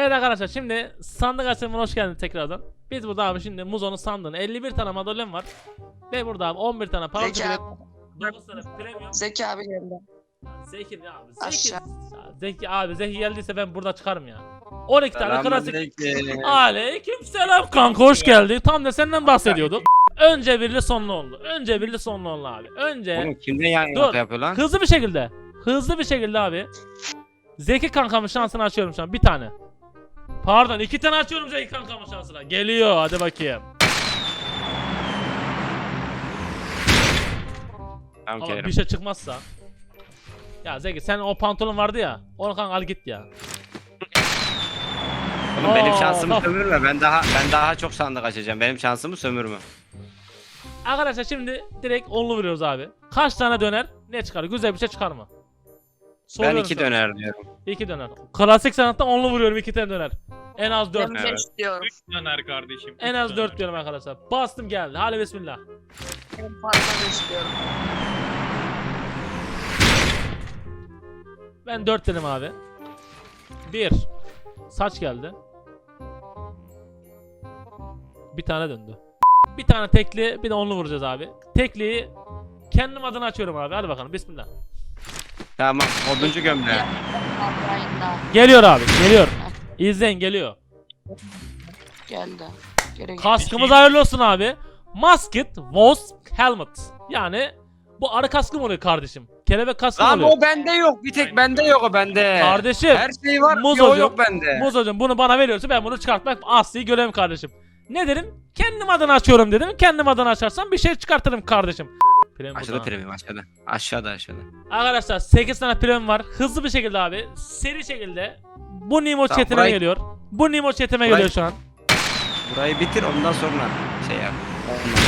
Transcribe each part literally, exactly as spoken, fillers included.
Evet arkadaşlar, şimdi sandık açılımına hoş geldiniz tekrardan. Biz burada abi şimdi Muzo'nun sandığını elli bir tane madalyon var. Ve burada abi on bir tane power Zeki bilet, abi. dokuz tane premium. Zeki abi geldi. Zeki ne abi? Zeki. Aşağı. Ya Zeki abi, Zeki geldiyse ben burada çıkarım ya. on iki tane klasik. Selamünaleyküm. Aleykümselam kanka, hoş geldin. Tam da senden bahsediyorduk. Önce birli sonlu oldu. Önce birli sonlu oldu abi. Önce Oğlum kimden yan Dur. yana yapıyor lan? hızlı bir şekilde. Hızlı bir şekilde abi. Zeki kankamın şansını açıyorum şu an. Bir tane. Pardon, iki tane açıyorum Zeki kankamın şansına. Geliyor, hadi bakayım. Tamam Ama Kerem. bir şey çıkmazsa. Ya Zeki, sen o pantolon vardı ya. Onu kanka al git ya. Oğlum benim Oo, şansımı bak. sömürme. Ben daha ben daha çok sandık açacağım. Benim şansımı sömürme. Arkadaşlar şimdi direkt onlu vuruyoruz abi. Kaç tane döner? Ne çıkar? Güzel bir şey çıkar mı? Ben Soruyorum iki sana. döner diyorum. İki döner. Klasik sanattan onlu vuruyorum, iki tane döner. En az dört. Ben Evet. beş diyorum. üç döner kardeşim. En üç az döner. dört diyorum arkadaşlar. Bastım geldi. Hadi bismillah. En fazla beş diyorum. Ben dört dedim abi. Bir. Saç geldi. Bir tane döndü. Bir tane tekli, bir de onlu vuracağız abi. Tekliyi kendim adına açıyorum abi. Hadi bakalım bismillah. Tamam. Oduncu gömleği. Ayında Geliyor abi, geliyor. İzleyin, geliyor. geldi. Geri Kaskımız hayırlı olsun abi. Musket was helmet. Yani bu arı kaskı mı oluyor kardeşim? Kelebek kaskı mı Lan oluyor? o bende yok. Bir tek bende yok o bende. Kardeşim. Her şey var. Muz Yok hocam. yok bende. Muzocuğum, bunu bana veriyorsa ben bunu çıkartmak asli görevim kardeşim. Ne dedim? Kendim adına açıyorum dedim. Kendim adına açarsam bir şey çıkartırım kardeşim. Premium Aşağıda burada. premium aşağıda. Aşağıda aşağıda. Arkadaşlar sekiz tane premium var. Hızlı bir şekilde abi. Seri şekilde. Bu Nimo Tamam, chatime burayı- geliyor. Bu Nimo chatime Burayı- geliyor şu an. Burayı bitir ondan sonra şey yap. Ondan.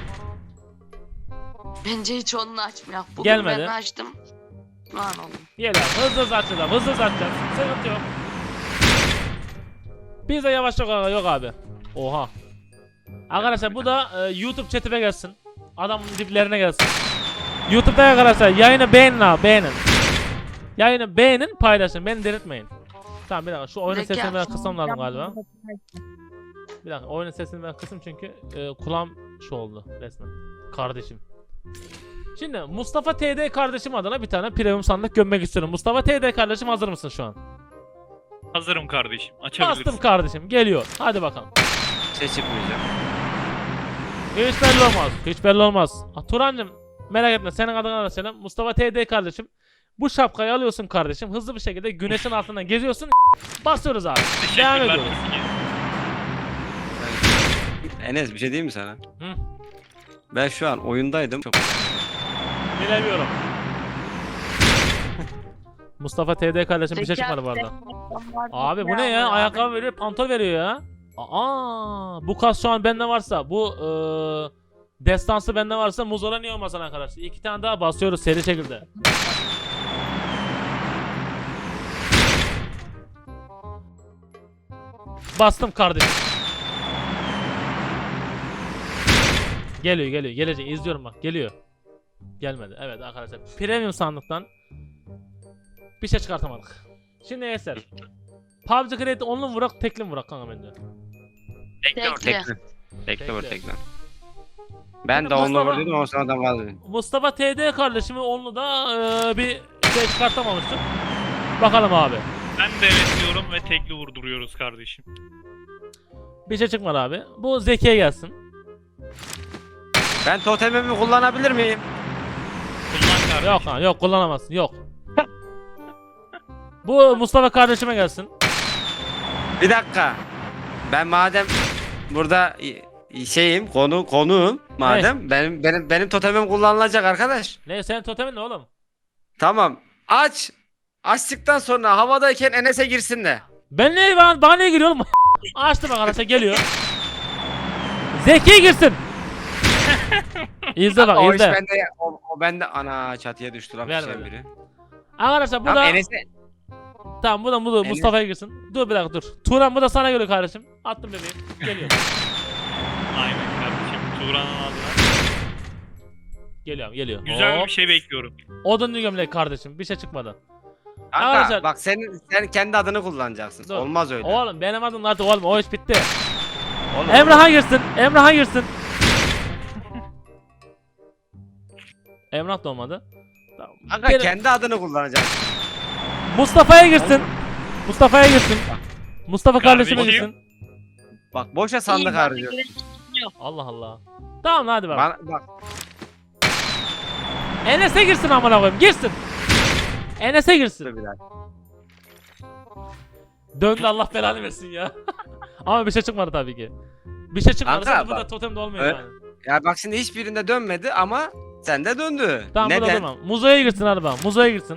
Bence hiç onu açmıyor. Bugün Gelmedi. ben açtım. Lan oğlum. Gel abi, hızlı hızlı açacağız, hızlı hızlı açacağız. Sıkıntı yok. Biz de yavaş yok, yok abi. Oha. Arkadaşlar bu da e, YouTube chatime gelsin. Adamın diplerine gelsin. YouTube'da arkadaşlar yayını beğenin abi, beğenin. Yayını beğenin, paylaşın, beni delirtmeyin. Tamam, bir dakika, şu oyunun Zeki sesini abi, ben şunu kısmam lazım yapma. galiba. Bir dakika, oyunun sesini ben kısım çünkü e, kulağım şu oldu resmen. Kardeşim. Şimdi Mustafa T D kardeşim adına bir tane premium sandık gömmek istiyorum. Mustafa T D kardeşim, hazır mısın şu an? Hazırım kardeşim. Açabilirsin. Bastım kardeşim, geliyor. Hadi bakalım. Şey çıkmayacak. Hiç belli olmaz. Hiç belli olmaz. Ah, Turancım, merak etme, senin adına da selam. Mustafa T D kardeşim. Bu şapkayı alıyorsun kardeşim. Hızlı bir şekilde güneşin altından geziyorsun. Basıyoruz abi. Devam Teşekkürler. ediyoruz. Enes bir şey diyeyim mi sana? Hı. Ben şu an oyundaydım. Çok Bilemiyorum. Mustafa T D kardeşim bir şey Zeki çıkmadı bu abi, arada. benim vardı. Abi bu ne ya? Ayakkabı veriyor, pantol veriyor ya. Aa, bu kas şu an bende varsa, bu eee destansı bende varsa Muzola niye olmasın arkadaşlar? İki tane daha basıyoruz seri şekilde. Bastım kardeşim. Geliyor geliyor gelecek, izliyorum bak, geliyor. Gelmedi, evet arkadaşlar, premium sandıktan bir şey çıkartamadık. Şimdi Eser, P U B G Create'de onlu mu vurak, tekli mi vurak kanka bence? Tekli Tekli. tekli. Tekli vur Tekli. tekli. Ben de Mustafa- onunla vurdum ondan sonra da vazgeçtim. Mustafa T D kardeşimi onlu da eee, bir şey çıkartamamıştım. Bakalım abi. Ben de evet diyorum ve tekli vurduruyoruz kardeşim. Bir şey çıkmadı abi. Bu Zeki'ye gelsin. Ben totemimi kullanabilir miyim? Kullan kardeşim. Yok ha, yok kullanamazsın, yok. Bu Mustafa kardeşime gelsin. Bir dakika. Ben madem burada i- şeyim, konu konuğum madem benim benim benim totemim kullanılacak arkadaş. Ne, senin totemin ne oğlum? Tamam. Aç. Açtıktan sonra havadayken Enes'e girsin de. Ben ne, bana, bana niye giriyor oğlum? Açtım arkadaşlar, geliyor. Zeki girsin. İzle bak, o iş izle. bende o, o bende ana çatıya düştü lan Vermedi. sen biri. Arkadaşlar bu Tamam da Enes'e tamam, bu da bu da Enes- Mustafa'ya girsin. Dur bir dakika dur. Turan, bu da sana geliyor kardeşim. Attım bebeğim. Geliyor. Aynen kardeşim. Turan'ın adına. Geliyor geliyor. Güzel Hop. bir şey bekliyorum. Odunlu gömlek kardeşim, bir şey çıkmadı. Kanka Arkadaşlar- bak senin sen kendi adını kullanacaksın. Dur. Olmaz öyle. Oğlum benim adım artık oğlum o iş bitti. Oğlum, Emrah'a girsin. Emrah'a girsin. Emrah da olmadı. Tamam. Kanka Gene- kendi adını kullanacaksın. Mustafa'ya girsin. Mustafa'ya girsin. Mustafa kardeşime Kardeşim. girsin. Bak boşa sandık İyi, harcıyor. Allah Allah. Tamam hadi bak. Bana, bak Enes'e girsin amına koyayım. Girsin. Enes'e girsin. dur bir dakika. Döndü Allah belanı versin ya. Ama bir şey çıkmadı tabii ki. Bir şey çıkmadı. Kanka, Burada bak. totem de olmuyor Evet. yani. Ya bak şimdi hiçbirinde dönmedi ama sende döndü. Tamam burada Neden? durmam. Muzo'ya girsin hadi bak. Muzo'ya girsin.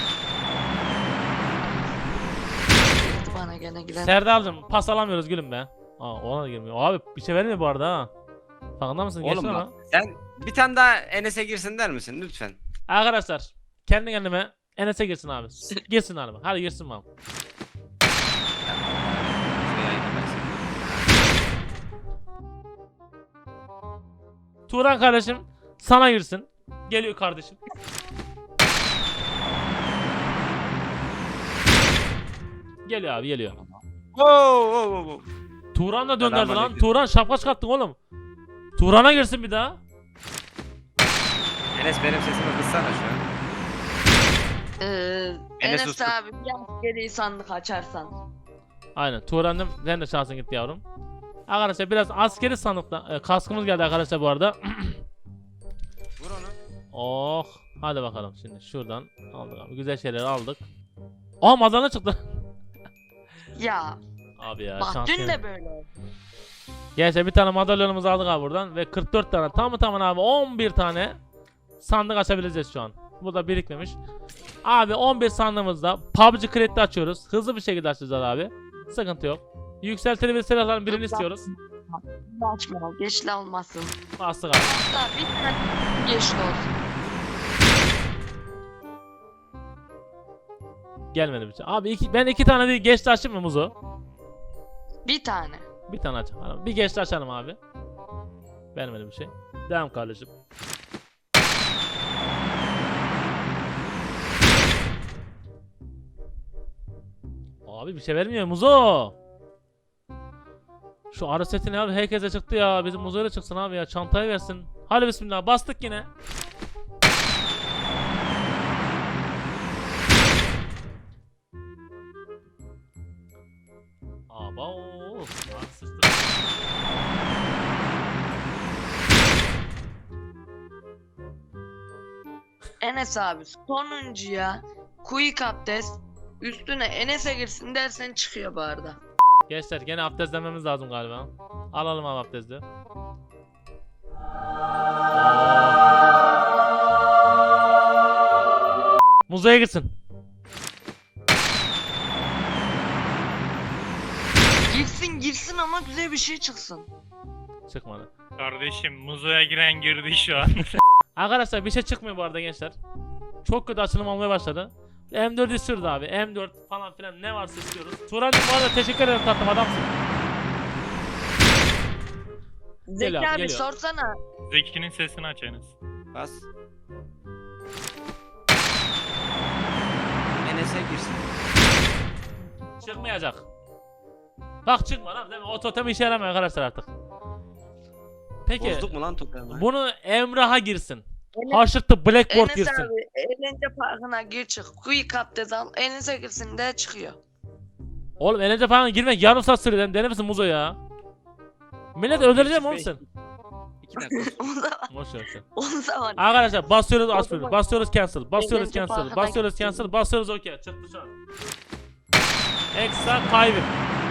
Girdi bana gene giden. Serdal'cım pas alamıyoruz gülüm be. Aa ona da girmiyor. Abi bir şey vermiyor bu arada ha. Farkında mısın? Oğlum Geçtin bak ama. sen bir tane daha Enes'e girsin der misin lütfen? Arkadaşlar kendi kendime Enes'e girsin abi. Girsin abi. Hadi girsin abi. Turan kardeşim sana girsin. Geliyor kardeşim. Geliyor abi geliyor. Oo, oo, oo, oo. Turan da döndürdü lan. Selamünaleyküm. Turan şapka çıkarttın oğlum. Turan'a girsin bir daha. Enes benim sesimi kıssana şu an. Ee, Enes Enes usta. abi bir askeri sandık açarsan. Aynen Turan'ım sen de şansın gitti yavrum. Arkadaşlar biraz askeri sandıkta e, kaskımız geldi arkadaşlar bu arada. Vur onu. Oh hadi bakalım şimdi şuradan aldık abi güzel şeyler aldık. Aa madalya çıktı. Ya Abi ya bak şans dün yerim. de böyle oldu. Gerçi bir tane madalyonumuzu aldık abi buradan ve kırk dört tane tamı tamına abi on bir tane sandık açabileceğiz şu an. Bu da birikmemiş. Abi on bir sandığımızda P U B G kredi açıyoruz. Hızlı bir şekilde açacağız abi. Sıkıntı yok. Yükseltili silahların birini istiyoruz. Açma geçli olmasın. Bastık abi. Hatta bir tane geçli olsun. Gelmedi bir şey. Abi iki, ben iki tane değil geçti açayım mı Muzo? Bir tane. Bir tane açalım. Bir geçti açalım abi. Vermedi bir şey. Devam kardeşim. Abi bir şey vermiyor Muzo. Şu arı setini abi herkese çıktı ya. Bizim Muzo'ya da çıksın abi ya. Çantayı versin. Hadi bismillah bastık yine. Aba o. Sıçtı. Enes abi sonuncuya quick abdest üstüne Enes'e girsin dersen çıkıyor bu arada. Gençler gene abdestlenmemiz lazım galiba. Alalım abi abdesti. Muzo'ya gitsin. Girsin girsin ama güzel bir şey çıksın. Çıkmadı. Kardeşim muzoya giren girdi şu an. Arkadaşlar bir şey çıkmıyor bu arada gençler. Çok kötü açılım olmaya başladı. M dört istiyoruz abi. M dört falan filan ne varsa istiyoruz. Turancım bu arada teşekkür ederim tatlım adamsın. Zeki abi, abi geliyor. sorsana. Zeki'nin sesini aç Enes. Bas. Enes'e girsin. Çıkmayacak. Bak çıkma lan değil mi? O totem işe yaramıyor arkadaşlar artık. Peki Bozduk mu lan toplarını? bunu Emrah'a girsin. Enes, Haşırttı Blackboard Enes girsin. abi eğlence parkına gir çık. Quick abdest al. Enes'e girsin de çıkıyor. Oğlum eğlence falan girmek yarım saat sürüyor. Deli misin Muzo ya? Millet Abi, öldüreceğim oğlum beş- sen. İki dakika. o zaman, Boş ver sen. o zaman. Arkadaşlar basıyoruz O açmıyoruz. zaman- Basıyoruz cancel. Basıyoruz Eğlence cancel. parkına Basıyoruz gitsin. cancel. Basıyoruz okey. Çıktı şu an. Eksa kaybım.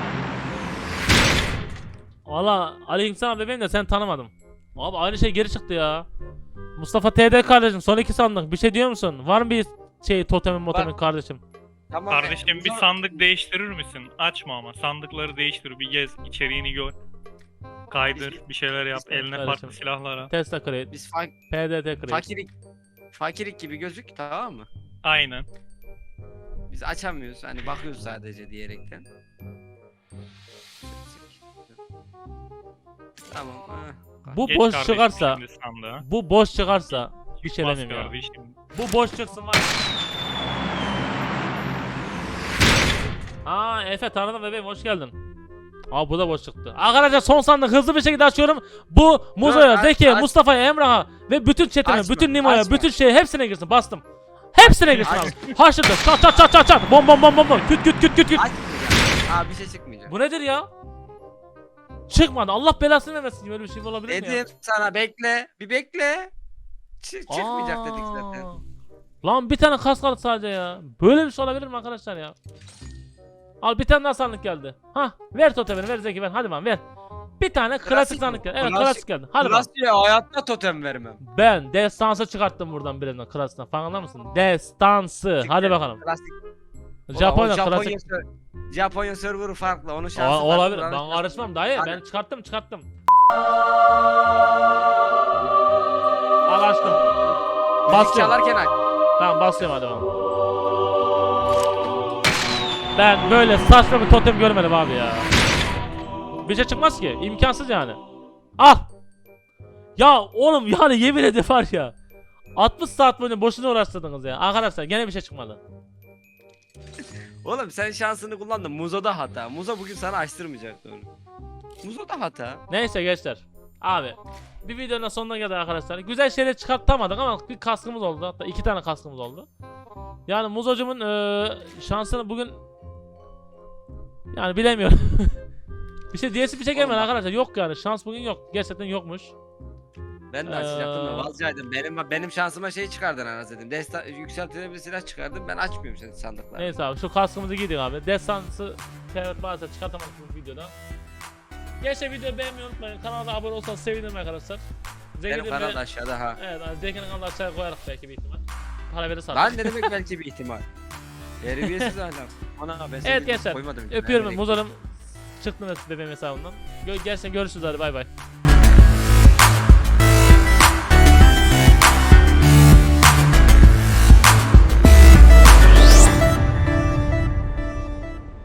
Valla aleykümselam bebeğim de sen tanımadım. Abi aynı şey geri çıktı ya. Mustafa T D kardeşim son iki sandık. Bir şey diyor musun? Var mı bir şey totemin motemin Var. kardeşim? Tamam. Kardeşim bir Muzo- sandık değiştirir misin? Açma ama sandıkları değiştir bir gez içeriğini gör. Kaydır bir şeyler yap Biz- eline Kardeşim. farklı silahlar al. Tesla Crate. Biz fa- P D T Crate. fakirlik fakirlik gibi gözük tamam mı? Aynen. Biz açamıyoruz hani bakıyoruz sadece diyerekten. Tamam. Ha. Bu Geç boş kardeşim çıkarsa şimdi sandığa. bu boş çıkarsa bir şey Bas demeyeyim ya. kardeşim. Bu boş çıksın var ya. Aa Efe tanıdım bebeğim hoş geldin. Aa bu da boş çıktı. Arkadaşlar son sandık hızlı bir şekilde açıyorum. Bu Muzo'ya, Dur, Zeki'ye, aç, aç. Mustafa'ya, Emrah'a ve bütün chatime, Açma, bütün Nimo'ya, açma. bütün şeye hepsine girsin. Bastım. Hepsine girsin Aç. abi. Haşırdı. Çat çat çat çat çat. Bom bom bom bom bom. Küt küt küt küt küt. Açmayacağım. Abi bir şey çıkmayacak. Bu nedir ya? Çıkmadı. Allah belasını vermesin. Böyle bir şey olabilir mi ya? Dedim sana bekle. Bir bekle. Çı- çıkmayacak Aa. dedik zaten. Lan bir tane kas kaldı sadece ya. Böyle bir şey olabilir mi arkadaşlar ya? Al bir tane daha sandık geldi. Hah ver totemini ver Zeki ver. Hadi lan ver. Bir tane klasik, Klasik sandık mi? geldi. Evet Klasik- klasik geldi. Hadi lan. Nasıl ya hayatta totem vermem. Ben destansı çıkarttım buradan birinden klasikten. Farkında mısın? Destansı. Hadi bakalım. Klasik. Japonya O Japonya, klasik. ser- Japonya serverı farklı. Onun Aa, şansı farklı. olabilir. buranın Ben şansı karışmam farklı. dayı. Hadi. Ben çıkarttım çıkarttım. Al açtım. Müzik Basıyorum. çalarken aç. Tamam basıyorum hadi bakalım. Ben böyle saçma bir totem görmedim abi ya. Bir şey çıkmaz ki. İmkansız yani. Al. Ya oğlum yani yemin ederim var ya. altmış saat boyunca boşuna uğraştırdınız ya. Arkadaşlar gene bir şey çıkmadı. Oğlum sen şansını kullandın. Muzo'da hata. Muzo bugün sana açtırmayacak onu. Muzo'da hata. Neyse gençler. Abi bir videonun sonuna geldik arkadaşlar. Güzel şeyler çıkartamadık ama bir kaskımız oldu. Hatta iki tane kaskımız oldu. Yani Muzocumun eee şansını bugün yani bilemiyorum. bir şey diyesi bir şey gelmedi Oğlum, arkadaşlar. Yok yani şans bugün yok. Gerçekten yokmuş. Ben de açacaktım da Ee, vazgeçtim. Benim benim şansıma şey çıkardın anasını dedim. Desta yükseltilebilir silah çıkardım. Ben açmıyorum senin sandıkları. Neyse abi şu kaskımızı giydik abi. Destansı evet bazen çıkartamadık bu videoda. Gençler videoyu beğenmeyi unutmayın. Kanala abone olsanız sevinirim arkadaşlar. Benim Zeki'nin kanal de- da aşağıda ha. Evet abi Zeki'nin kanalını aşağıya koyarak belki bir ihtimal. Para verirse Lan ne demek belki bir ihtimal. Terbiyesiz adam. Ana ben seni Evet gençler. koymadım. Öpüyorum. Muzarım çıktınız bebeğim hesabından. Gö gerçekten görüşürüz hadi bay bay.